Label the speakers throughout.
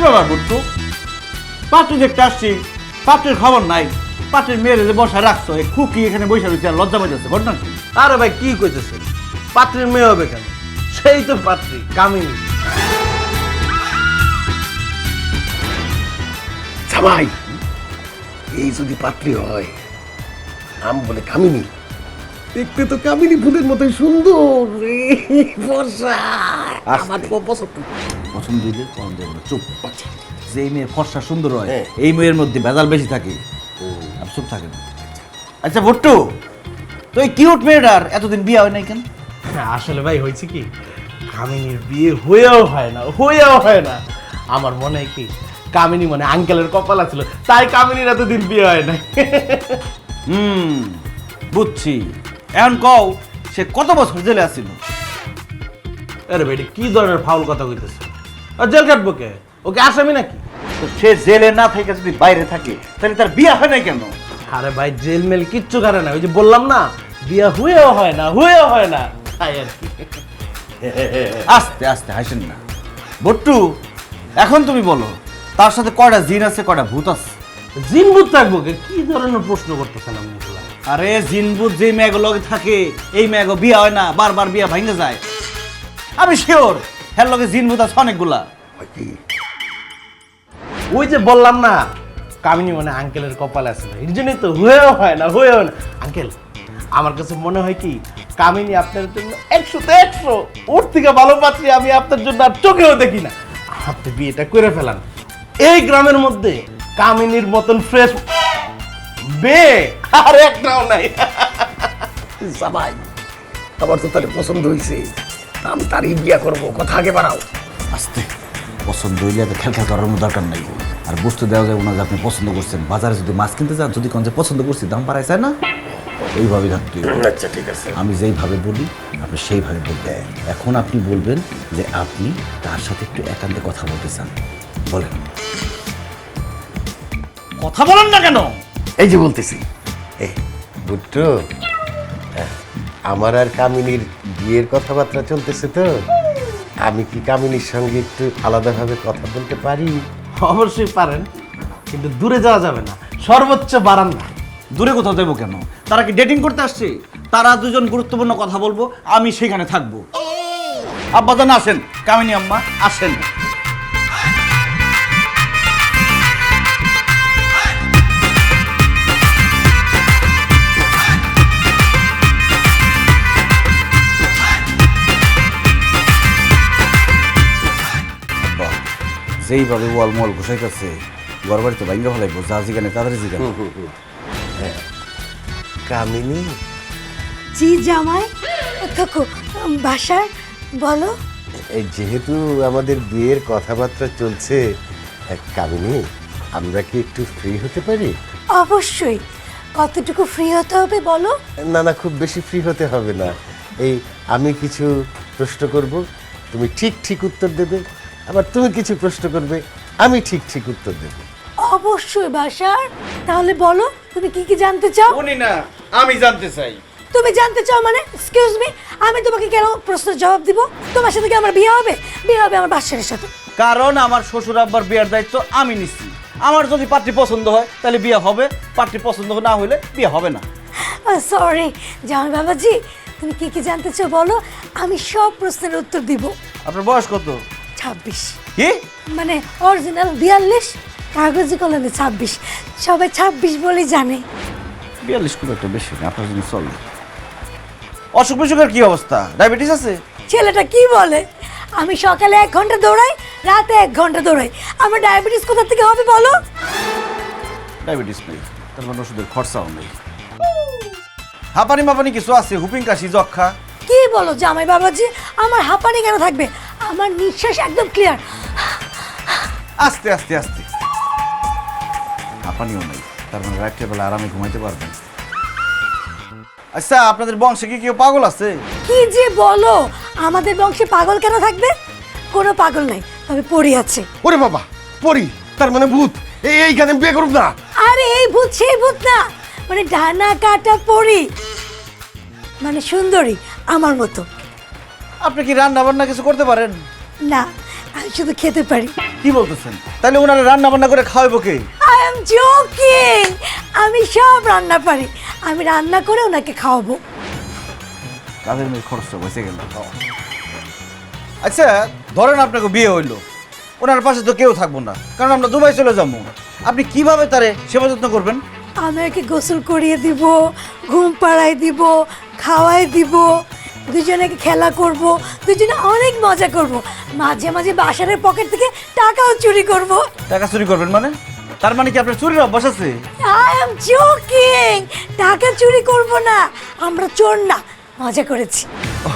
Speaker 1: ব্যাপার বুট্টু? পাত্রী দেখতে আসছি, পাত্রের খবর নাই। পাত্রের মেয়েরে যে বসা রাখছো, এই খুকি এখানে বসে রয়েছে আর লজ্জা পাইতেছে, ঘটনা কি?
Speaker 2: আরে ভাই কি কইতেছেন, পাত্রীর মেয়ে হবে কেন? সেই তো পাত্রী কামিনী।
Speaker 3: জামাই, এই যদি পাত্রী হয়, নাম বলে কামিনী, দেখতে তো কামিনী ফুলের মতোই সুন্দর রে, বর্ষা। আমার তো পছন্দ।
Speaker 1: পছন্দ দিলে কম দেবো না, চুপ। যে মেয়ের ফর্সা সুন্দর হয়, এই মেয়ের মধ্যে ভেজাল বেশি থাকে, আর চুপ থাকে না। আচ্ছা ভুট্টু, তো এই কিউট মেয়েটার এতদিন বিয়ে হয় নাই কেন?
Speaker 2: আসলে ভাই হয়েছে কি, কামিনীর বিয়ে হয়েও হয় না। আমার মনে হয় কি, কামিনী মানে আঙ্কেলের কপাল ছিল, তাই কামিনীর এতদিন বিয়ে হয় না।
Speaker 1: বুঝছি। এখন কও, সে কত বছর জেলে আসছিল?
Speaker 2: আরে ভাই কি ধরনের ফাউল কথা কইতেছে? আর জেল কাটবো কে? ওকে আসামি নাকি?
Speaker 1: তো সে জেলে না থেকে যদি বাইরে থাকে, তাহলে তার বিয়ে হয় নাই কেন?
Speaker 2: আরে ভাই জেল মেল কিচ্ছু করে না, ওই যে বললাম না, বিয়ে হয়েও হয় না, তাই আর কি।
Speaker 1: আস্তে আস্তে হাসেন না ভুট্টু। এখন তুমি বলো, তার সাথে কয়টা জিন আছে, কয়টা ভূত আছে?
Speaker 2: জিন ভূত থাকবো কে? কি ধরনের প্রশ্ন করতেছেন আপনি?
Speaker 1: আরে জিন ভূত যে মেয়েগুলো থাকে, এই মেয়েগো বিয়ে হয় না, বারবার বিয়ে ভাঙে যায়। আমি শিওর হ্যার লগে জিন ভূত আছে অনেকগুলা।
Speaker 2: ওই যে বললাম না, কামিনী মানে আঙ্কেলের কপালে আছে না, এর জন্যই তো হয়েও হয় না। আঙ্কেল, আমার কাছে মনে হয় কি, কামিনী আপনার জন্য 100-তে 100, ওর থেকে ভালো পাত্রী আমি আপনার জন্য আর চোখেও দেখি না। আপনি বিয়েটা করে ফেলান। এই গ্রামের মধ্যে কামিনীর মতন ফ্রেশ মেয়ে আর একটাও নাই।
Speaker 3: জামাই, আমার তো তাহলে পছন্দ হয়েছে, আমি তারই বিয়া করবো, কথা আগে বাড়াও।
Speaker 1: আস্তে, পছন্দ হইলে এত খেলখেল করার কোনো দরকার নাই। আর বুঝতে দেওয়া যাবে না যে আপনি পছন্দ করছেন। বাজারে যদি মাছ কিনতে যান, যদি কোন যে পছন্দ করছি, দাম বাড়ায় যায় না, ওইভাবেই থাকতে হবে।
Speaker 3: আচ্ছা ঠিক আছে।
Speaker 1: আমি যেইভাবে বলি আপনি সেইভাবে বলবেন। এখন আপনি বলবেন যে আপনি তার সাথে একটু একান্তে কথা বলতে চান। বলেন, কথা বলেন না কেন?
Speaker 3: এই যে বলতেছি, বুট্টু, আমার আর কামিনীর বিয়ের কথাবার্তা চলতেছে, তো আমি কি কামিনীর সঙ্গে একটু আলাদাভাবে কথা বলতে পারি?
Speaker 2: অবশ্যই পারেন, কিন্তু দূরে যাওয়া যাবে না, সর্বোচ্চ বারান্দা।
Speaker 1: দূরে কোথাও দেবো কেন? তারা কি ডেটিং করতে আসছে? তারা দুজন গুরুত্বপূর্ণ কথা বলবো, আমি সেখানে থাকবো। আব্বাজান আসেন, কামিনী আম্মা আসেন। যেইভাবে ওয়াল মল ঘুষাইতেছে, ঘর বাড়ি তো ভাঙ্গা ফেলাইবো। যা জিগানে তাদের জিগানে।
Speaker 3: কামিনী,
Speaker 4: জি জামাই, থাকো বাসায়, বলো।
Speaker 3: এই যেহেতু আমাদের বিয়ের কথাবার্তা চলছে, কামিনী, আমরা কি একটু ফ্রি হতে পারি?
Speaker 4: অবশ্যই। কতটুকু ফ্রি হতে হবে বলো?
Speaker 3: না না, খুব বেশি ফ্রি হতে হবে না। এই আমি কিছু প্রশ্ন করব, তুমি ঠিক ঠিক উত্তর দেবে, আবার তুমি কিছু প্রশ্ন করবে, আমি ঠিক ঠিক উত্তর দেব।
Speaker 4: অবশ্যই বাসার। তাহলে বলো, তুমি কি কি জানতে চাও?
Speaker 1: উনি না, আমি জানতে চাই।
Speaker 4: তুমি জানতে চাও মানে? এক্সকিউজ মি, আমি তোমাকে কেন প্রশ্নের জবাব দিব? তোমার সাথে কি আমার বিয়ে হবে? বিয়ে হবে আমার বাসারের সাথে।
Speaker 1: কারণ আমার শ্বশুর আব্বার বিয়ের দায়িত্ব আমি নিচ্ছি। আমার যদি পাত্রী পছন্দ হয় তাহলে বিয়ে হবে, পাত্রী পছন্দ না হলে বিয়ে হবে না।
Speaker 4: সরি জামাই বাবাজি, তুমি কি কি জানতে চাও বলো, আমি সব প্রশ্নের উত্তর দিব।
Speaker 1: আপনার বয়স কত?
Speaker 4: 26।
Speaker 1: কি?
Speaker 4: মানে অরিজিনাল 42, কাগজি কলমে 26। সবাই 26 বলেই জানে।
Speaker 1: 42 খুব একটা বেশি না, আপনার জন্য চলে। অসুখ বিসুখের কি অবস্থা? ডায়াবেটিস আছে?
Speaker 4: ছেলেটা কি বলে? আমি সকালে 1 ঘন্টা দৌড়াই, রাতে 1 ঘন্টা দৌড়াই, আমার ডায়াবেটিস কোথা থেকে হবে বলো?
Speaker 1: ডায়াবেটিস নেই, তার মানে ওষুধের খরচাও নেই। হাঁপানি মাপানি কিছু আছে? হুপিং কাশি, যক্ষা?
Speaker 4: কি বলো জামাই বাবাজি, আমার হাঁপানি কেন থাকবে? আমার নিঃশ্বাস একদম ক্লিয়ার।
Speaker 1: আস্তে আস্তে আস্তে। হাঁপানিও নেই, তার মানে রাত্রে বেলা আরামে ঘুমাইতে পারবেন। আচ্ছা, আপনাদের বংশে কি কেউ পাগল আছে?
Speaker 4: কি যে বলো, আমাদের বংশে পাগল কেন থাকবে? কোনো পাগল নাই, তবে পড়ি আছে।
Speaker 3: ওরে বাবা, পরি, তার মানে ভূত। এইখানে বিয়ে করব না।
Speaker 4: আরে এই ভূত সেই ভূত না, মানে ডানা কাটা পড়ি, মানে সুন্দরী আমার মতো।
Speaker 1: আপনি কি রান্না বান্না কিছু করতে পারেন?
Speaker 4: না, আমি শুধু খেতে পারি।
Speaker 1: কি বলতেছেন? তাহলে ওনারা রান্না বান্না করে খাওয়াবো কে?
Speaker 4: আই এম জোকিং, আমি সব রান্না পারি, আমি রান্না করে ওনাকে খাওয়াবো।
Speaker 1: কাজের মেয়ে খরচটা বসে গেল। আচ্ছা ধরেন আপনাকে বিয়ে হইলো, ওনার পাশে তো কেউ থাকবো না, কারণ আমরা দুবাই চলে যাবো। আপনি কিভাবে তারে সেবা যত্ন করবেন?
Speaker 4: আমি ওকে গোসল করিয়ে দিব, ঘুম পাড়াই দিব, খাওয়াই দিব, দুজনে খেলা করব, দুজনে অনেক মজা করব, মাঝে মাঝে বাসারের পকেট থেকে টাকাও চুরি করব।
Speaker 1: টাকা চুরি করবেন মানে? তার মানে কি আপনার চুরির অভ্যাস আছে?
Speaker 4: আই এম জোকিং, টাকা চুরি করব না, আমরা চোর না, মজা করেছি।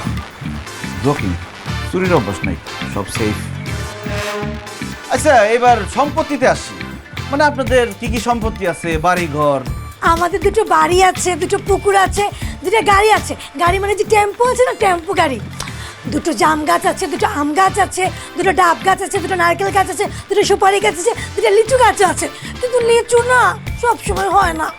Speaker 1: জোকিং, চুরির অভ্যাস নাই, সব সেফ। আচ্ছা এবার সম্পত্তিতে আসি, মানে আপনাদের কি কি সম্পত্তি আছে? বাড়ি ঘর?
Speaker 4: আমাদের দুটো বাড়ি আছে, দুটো পুকুর আছে, দুটো গাড়ি আছে। গাড়ি মানে যে টেম্পো আছে না, টেম্পো গাড়ি। দুটো জাম গাছ আছে, দুটো আম গাছ আছে, দুটো ডাব গাছ আছে, দুটো নারকেল গাছ আছে, দুটো সুপারি গাছ আছে, দুটো লিচু গাছ আছে। কিন্তু লিচু না সব সময় হয় না।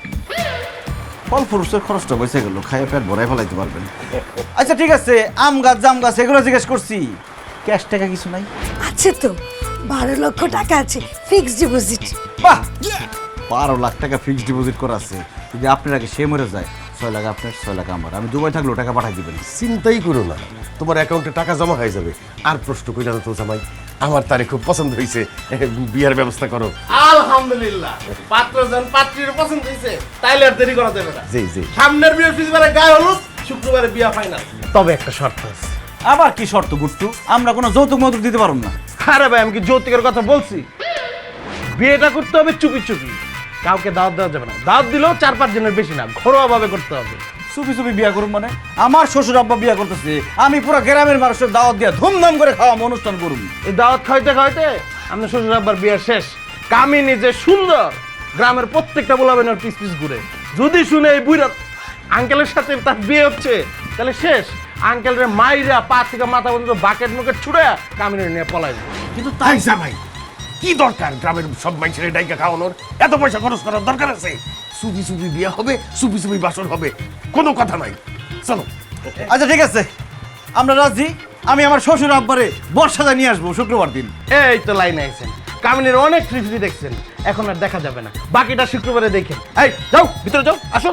Speaker 1: ফল ফুরুষের খরচটা বসে গেল, খাইয়ে পেট ভরাই ফেলাইতে পারবেন। আচ্ছা ঠিক আছে, আম গাছ জাম গাছ এগুলো জিজ্ঞেস করছি, ক্যাশ টাকা কিছু নাই?
Speaker 4: আছে তো, 12 লক্ষ টাকা আছে ফিক্সড ডিপোজিট।
Speaker 1: বাহ, 12 লাখ টাকা ফিক্সড ডিপোজিট করা আছে। যদি আপনার আগে সে মরে যায়, 6 লাখ আপনার, 6 লাখ আমার। আমি দুবাই থাকলেও টাকা পাঠাই দিবেন।
Speaker 3: চিন্তাই করো না, তোমার অ্যাকাউন্টে টাকা জমা হয়ে যাবে। আর প্রশ্ন কইরা না তো জামাই, আমার তারে খুব পছন্দ হয়েছে, বিয়ার ব্যবস্থা করো।
Speaker 2: আলহামদুলিল্লাহ, পাত্রজন পাত্রীর পছন্দ হয়েছে, তাইলে আর দেরি করা যাবে না।
Speaker 3: জি জি।
Speaker 2: সামনের বৃহস্পতিবারে গায়ে হলুদ, শুক্রবারে বিয়া ফাইনাল। তবে একটা শর্ত আছে।
Speaker 1: আবার কি শর্ত গুট্টু? আমরা কোনো যৌতুক মৌতুক দিতে পারব না।
Speaker 2: আরে ভাই, আমি কি যৌতুকের কথা বলছি? বিয়েটা করতে হবে চুপি চুপি, কাউকে দাওয়াত দেওয়া যাবে না। দাওয়াত দিলেও 4-5 জনের বেশি না, ঘরোয়া ভাবে করতে হবে।
Speaker 1: চুপি চুপি বিয়া করুন মানে? আমার শ্বশুর আব্বা বিয়া করতেছে, আমি পুরো গ্রামের মানুষের দাওয়াত দিয়া ধুমধাম করে খাওয়াম, অনুষ্ঠান করুন।
Speaker 2: এই দাওয়াত খাইতে খাইতে আপনার শ্বশুর আব্বার বিয়ে শেষ। কামিনী যে সুন্দর, গ্রামের প্রত্যেকটা বলাবেন ওর পিস পিস ঘুরে। যদি শুনে এই বুইরা আঙ্কেলের সাথে তার বিয়ে হচ্ছে, তাহলে শেষ। আঙ্কেলের মাইরা পা থেকে মাথা পর্যন্ত বাকেট মুকেট ছুড়ে কামিনী নিয়ে পলাই যাবে।
Speaker 3: কিন্তু তাই জামাই, কি দরকার গ্রামের সব মানুষের ডাইকা খাওয়ানোর? এত পয়সা খরচ করার দরকার আছে? সুবি সুবি বিয়া হবে, সুবি সুবি বাসর হবে, কোনো কথা নাই। চলো।
Speaker 1: আচ্ছা ঠিক আছে, আমরা রাজি। আমি আমার শ্বশুর আব্বারে বর্ষাদা নিয়ে আসবো শুক্রবার দিন।
Speaker 2: এই তো লাইনে আছেন, কামিনীর অনেক ফ্রি দেখছেন, এখন আর দেখা যাবে না। বাকিটা শুক্রবারে দেখেন। এই যাও, ভিতরে যাও, আসো।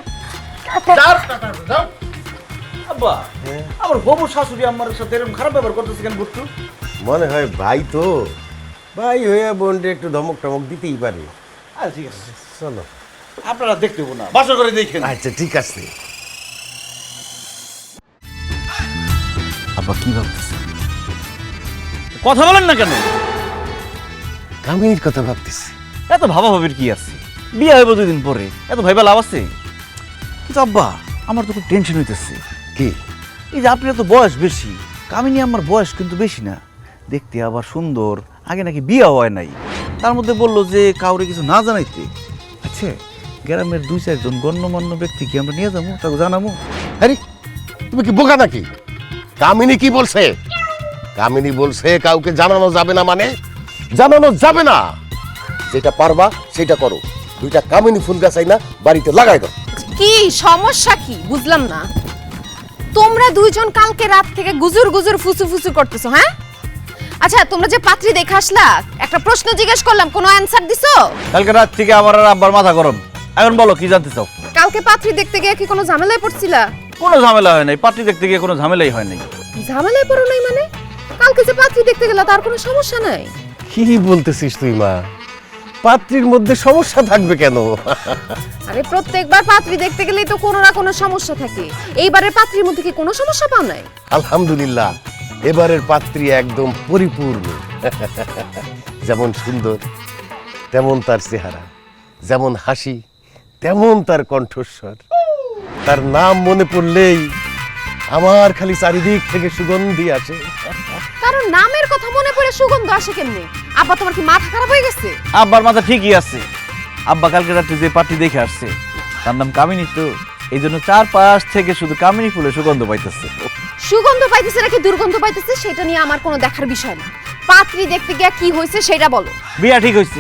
Speaker 2: যাও।
Speaker 1: আব্বা, আমার হবু শাশুড়ি আমার সাথে এরকম খারাপ ব্যবহার করতেছে কেন গুট্টু?
Speaker 3: মনে হয় ভাই তো, ভাই হয়ে বোনটা একটু ধমক টমক দিতেই পারে।
Speaker 1: আচ্ছা ঠিক আছে,
Speaker 3: চলো।
Speaker 1: আপনারা দেখতে হবো না, বাসা করে দেখেন।
Speaker 3: আচ্ছা ঠিক আছে।
Speaker 1: আব্বা কি ভাবতেছে? কথা বলেন না কেন?
Speaker 3: কামিনীর কথা ভাবতেছি।
Speaker 1: এত ভাবা ভাবির কি আছে? বিয়ে হইব 2 দিন পরে, এত ভাইবা লাভ আছে? কিন্তু আব্বা, আমার তো খুব টেনশন হইতেছে।
Speaker 3: কি?
Speaker 1: এই যে আপনার তো বয়স বেশি, কামিনী আমার বয়স কিন্তু বেশি না, দেখতে আবার সুন্দর, আগে নাকি বিয়ে হয় নাই। তার মধ্যে বললো যে কাউরে কিছু না জানাইতে। আচ্ছা গ্রামের 2-4 জন গণ্যমান্য ব্যক্তি কি আমরা নিয়ে যাবো, তাকে জানাবো?
Speaker 3: আরে তুমি কি বোকা নাকি? কামিনী কি বলছে? কামিনী বলছে কাউকে জানানো যাবে না। মানে জানানো যাবে না, যেটা পারবা সেটা করো। 2টা কামিনী ফুল গাছ আইনা বাড়িতে লাগাই দাও।
Speaker 5: কি সমস্যা কি বুঝলাম না। তোমরা দুইজন কালকে রাত থেকে গুজুর গুজুর ফুসু ফুসু করতেছো, হ্যাঁ? আচ্ছা তোমরা যে পাত্রী দেখে আসলা, একটা প্রশ্ন জিজ্ঞেস করলাম, কোনো অ্যানসার দিছো?
Speaker 1: কালকে রাত থেকে আমার আর আব্বার মাথা গরম। এখন বলো কি জানতে চাও?
Speaker 5: কালকে পাত্রী দেখতে গিয়ে কি কোনো ঝামেলায় পড়ছিলা?
Speaker 1: কোনো ঝামেলা হয় নাই, পাত্রী দেখতে গিয়ে কোনো ঝামেলাই হয় নাই।
Speaker 5: ঝামেলায় পড়ো নাই মানে? কালকে যে পাত্রী দেখতে গেলা তার কোনো সমস্যা নাই?
Speaker 3: কি বলতেছিস তুই মা? পাত্রীর মধ্যে সমস্যা থাকবে কেন?
Speaker 5: আরে প্রত্যেকবার পাত্রী দেখতে গেলেই তো কোনো না কোনো সমস্যা থাকে। এইবারের পাত্রীর মধ্যে কি কোনো সমস্যা পাও নাই?
Speaker 3: আলহামদুলিল্লাহ, এবারের পাত্রী একদম পরিপূর্ণ। যেমন সুন্দর তেমন তার চেহারা, যেমন হাসি তেমন তার কণ্ঠস্বর। তার নাম মনে পড়লেই আমার খালি চারিদিক থেকে সুগন্ধি আসে।
Speaker 5: কারণ নামের কথা মনে পড়ে সুগন্ধ আসে কেমনে? আব্বা তোমার কি মাথা খারাপ হয়ে গেছে?
Speaker 1: আব্বার মাথা ঠিকই আছে। আব্বা কালকে রাতে যে পার্টি দেখে আসছে, তার নাম কামিনী, তো এই জন্য 4-5 থেকে শুধু কামিনী ফুলের সুগন্ধ পাইতেছে।
Speaker 5: সুগন্ধ পাইতেছে নাকি দুর্গন্ধ পাইতেছে সেটা নিয়ে আমার কোনো দেখার বিষয় না। পাত্রী দেখতে গিয়া কি হয়েছে সেটা বলো।
Speaker 1: বিয়া ঠিক হয়েছে,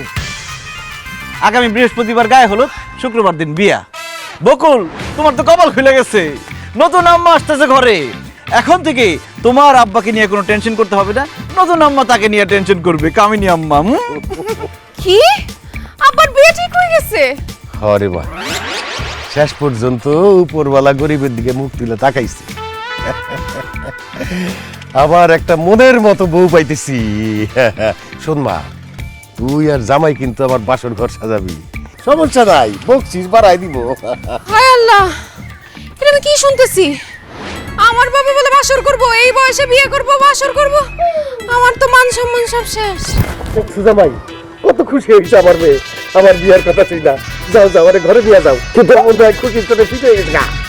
Speaker 1: আগামী বৃহস্পতিবার গায়ে হলুদ, শুক্রবার দিন বিয়া। বকুল, তোমার তো কপাল খুলে গেছে, নতুন আম্মা আসতেছে ঘরে। এখন থেকে তোমার আব্বাকে নিয়ে কোনো টেনশন করতে হবে না, নতুন আম্মা তাকে নিয়ে টেনশন করবে, কামিনী আম্মা।
Speaker 5: কি আব্বার বিয়ে ঠিক হয়ে গেছে?
Speaker 3: হরে বা, শেষ পর্যন্ত উপরওয়ালা গরিবের দিকে মুখ তুলে তাকাইছে। আবার একটা মনের মতো বউ পাইতেছি। শোন মা, তুই আর জামাই কিন্তু আমার বাসর ঘর সাজাবি, সমস্যা নাই, বকছিস বাড়াই দিব।
Speaker 5: হায় আল্লাহ, এটা আমি কি শুনতেছি? আমার বাবা বলে বাসর করব, এই বয়সে বিয়ে করব, বাসর করব। আমার তো মান সম্মান সব শেষ।
Speaker 3: জামাই কত খুশি হয়েছে আমার মেয়ে, আমার বিয়ার কথা ছিল না। যাও যাও, ঘরে দিয়ে যাও, কিন্তু আমার খুশির চোটে ফিরে গেছে না।